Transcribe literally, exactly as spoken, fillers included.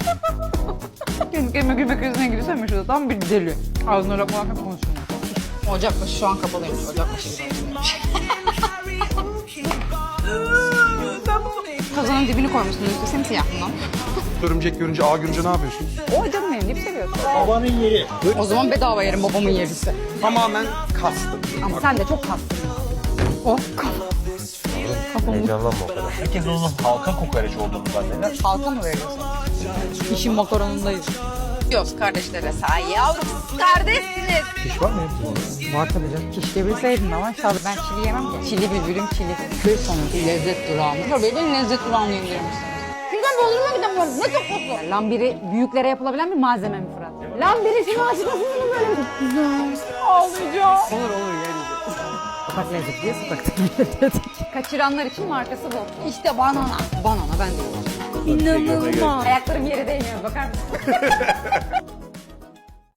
Kendi kendime gülme krizine girsem mi şurada? Tam bir deli. Ağzına lokmalarken konuşuyorum. Ocakbaşı şu an kapalıymış. Ocakbaşı güzelmiş. Kazanın dibini koymuşsun üstü simsiyah bundan. Örümcek görünce, ağ görünce ne yapıyorsun? O canım benim, dip seviyorsun. Babanın yeri. O zaman bedava yerim babamın yerisi. Tamamen kastım. Ama sen de çok kastın. Oh kafa. Heyecanlanma o kadar. Herkes onun halka kokoreç olduğunu zanneder. Halka mı veriyorsun? İşin makaronundayız. Diyoruz kardeşlere sağ yavrum. Kardeşsiniz. Piş var mı hepsi? Var tabii canım. Keşke bilseydin ama şahı ben çili yemem ki. Çili bülbülüm çili. Bir sonraki lezzet durağım. Tabii benim lezzet durağını indirmişsiniz. Şuradan Bodrum'a gidemiyoruz. Ne çok mutlu. Lambiri büyüklere yapılabilen bir malzeme mi Fırat? Lambiri şunu açıklasın mı böyle? Güzel. Ağlayacağım. Olur olur yeriz. Sokak lezzeti diye sokakta dedik. Kaçıranlar için markası bu. İşte banana. Banana ben de yiyorum. İnanılmaz. Ayaklarım yere değmiyor bakar mısın?